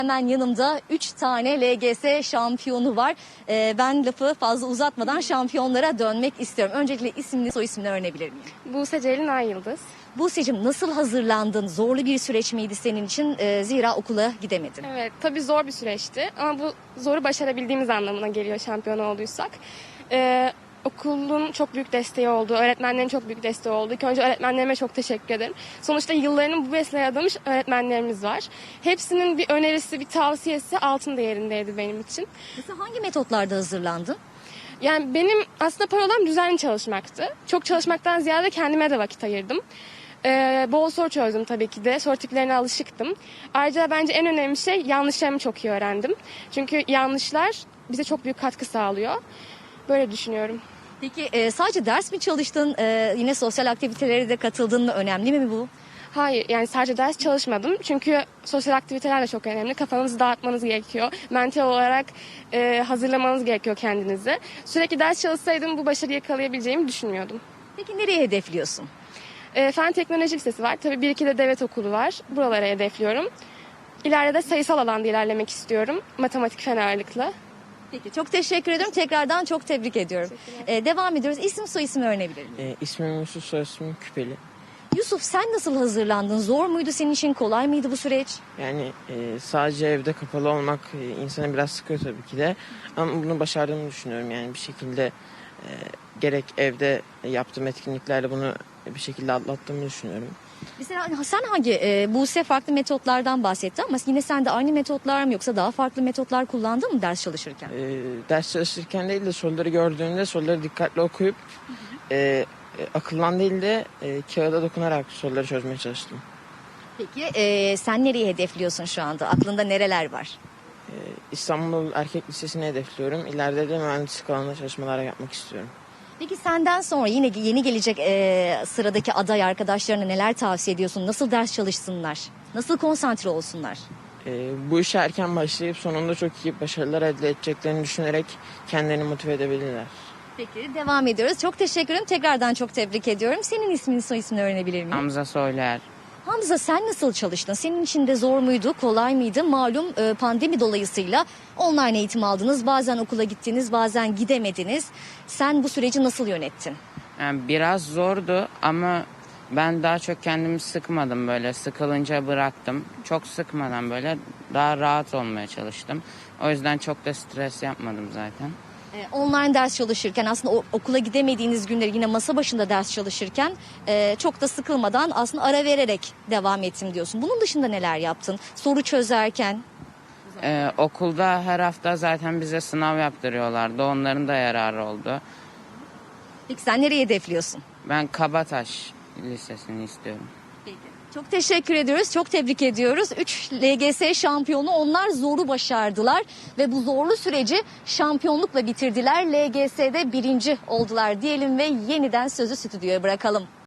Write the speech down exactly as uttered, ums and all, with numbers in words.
Hemen yanımda üç tane L G S şampiyonu var. Ee, ben lafı fazla uzatmadan şampiyonlara dönmek istiyorum. Öncelikle isimli soy ismini öğrenebilir miyim? Buse Celin Ayyıldız. Buse'cim, nasıl hazırlandın? Zorlu bir süreç miydi senin için? Ee, zira okula gidemedin. Evet, tabii zor bir süreçti ama bu zoru başarabildiğimiz anlamına geliyor şampiyon olduysak. Ee, okulun çok büyük desteği oldu, öğretmenlerin çok büyük desteği oldu. İlk önce öğretmenlerime çok teşekkür ederim. Sonuçta yıllarını bu mesleğe adamış öğretmenlerimiz var. Hepsinin bir önerisi, bir tavsiyesi altın değerindeydi benim için. Mesela hangi metotlarda hazırlandın? Yani benim aslında parolam düzenli çalışmaktı. Çok çalışmaktan ziyade kendime de vakit ayırdım. Ee, bol soru çözdüm tabii ki de. Soru tiplerine alışıktım. Ayrıca bence en önemli şey yanlışlarımı çok iyi öğrendim. Çünkü yanlışlar bize çok büyük katkı sağlıyor. Böyle düşünüyorum. Peki e, sadece ders mi çalıştın? E, yine sosyal aktivitelere de katıldın mı? Önemli mi bu? Hayır, yani sadece ders çalışmadım. Çünkü sosyal aktiviteler de çok önemli. Kafanızı dağıtmanız gerekiyor. Mental olarak e, hazırlamanız gerekiyor kendinizi. Sürekli ders çalışsaydım bu başarıyı yakalayabileceğimi düşünmüyordum. Peki nereye hedefliyorsun? E, Fen Teknoloji Lisesi var. Tabii bir iki de devlet okulu var. Buralara hedefliyorum. İleride de sayısal alanda ilerlemek istiyorum. Matematik fen ağırlıklı. Peki, çok teşekkür ederim. Tekrardan çok tebrik ediyorum. E, devam ediyoruz. İsim soy ismi öğrenebilir miyim? E, ismim Yusuf, soy ismim Küpeli. Yusuf, sen nasıl hazırlandın? Zor muydu senin için? Kolay mıydı bu süreç? Yani e, sadece evde kapalı olmak e, insanı biraz sıkıyor tabii ki de. Ama bunu başardığımı düşünüyorum. Yani bir şekilde e, gerek evde yaptığım etkinliklerle bunu bir şekilde atlattığımı düşünüyorum. Mesela sen hangi, e, Buse farklı metotlardan bahsetti ama yine sen de aynı metotlar mı yoksa daha farklı metotlar kullandın mı ders çalışırken? E, ders çalışırken değil de soruları gördüğümde soruları dikkatli okuyup e, e, akıllan değil de e, kağıda dokunarak soruları çözmeye çalıştım. Peki e, sen nereyi hedefliyorsun şu anda? Aklında nereler var? E, İstanbul Erkek Lisesi'ni hedefliyorum. İleride de mühendislik alanında çalışmalar yapmak istiyorum. Peki senden sonra yine yeni gelecek e, sıradaki aday arkadaşlarına neler tavsiye ediyorsun? Nasıl ders çalışsınlar? Nasıl konsantre olsunlar? Ee, bu işe erken başlayıp sonunda çok iyi başarılar elde edeceklerini düşünerek kendilerini motive edebilirler. Peki, devam ediyoruz. Çok teşekkür ederim. Tekrardan çok tebrik ediyorum. Senin ismini, soy ismini öğrenebilir miyim? Hamza Soyluer. Hamza, sen nasıl çalıştın? Senin için de zor muydu, kolay mıydı? Malum e, pandemi dolayısıyla online eğitim aldınız. Bazen okula gittiniz, bazen gidemediniz. Sen bu süreci nasıl yönettin? Yani biraz zordu ama ben daha çok kendimi sıkmadım böyle. Sıkılınca bıraktım. Çok sıkmadan böyle daha rahat olmaya çalıştım. O yüzden çok da stres yapmadım zaten. E, online ders çalışırken aslında o, okula gidemediğiniz günleri yine masa başında ders çalışırken e, çok da sıkılmadan aslında ara vererek devam ettim diyorsun. Bunun dışında neler yaptın? Soru çözerken? Ee, okulda her hafta zaten bize sınav yaptırıyorlardı. Onların da yararı oldu. Peki sen nereye hedefliyorsun? Ben Kabataş Lisesi'ni istiyorum. Peki. Çok teşekkür ediyoruz. Çok tebrik ediyoruz. üç L G S şampiyonu, onlar zoru başardılar ve bu zorlu süreci şampiyonlukla bitirdiler. L G S'de birinci oldular diyelim ve yeniden sözü stüdyoya bırakalım.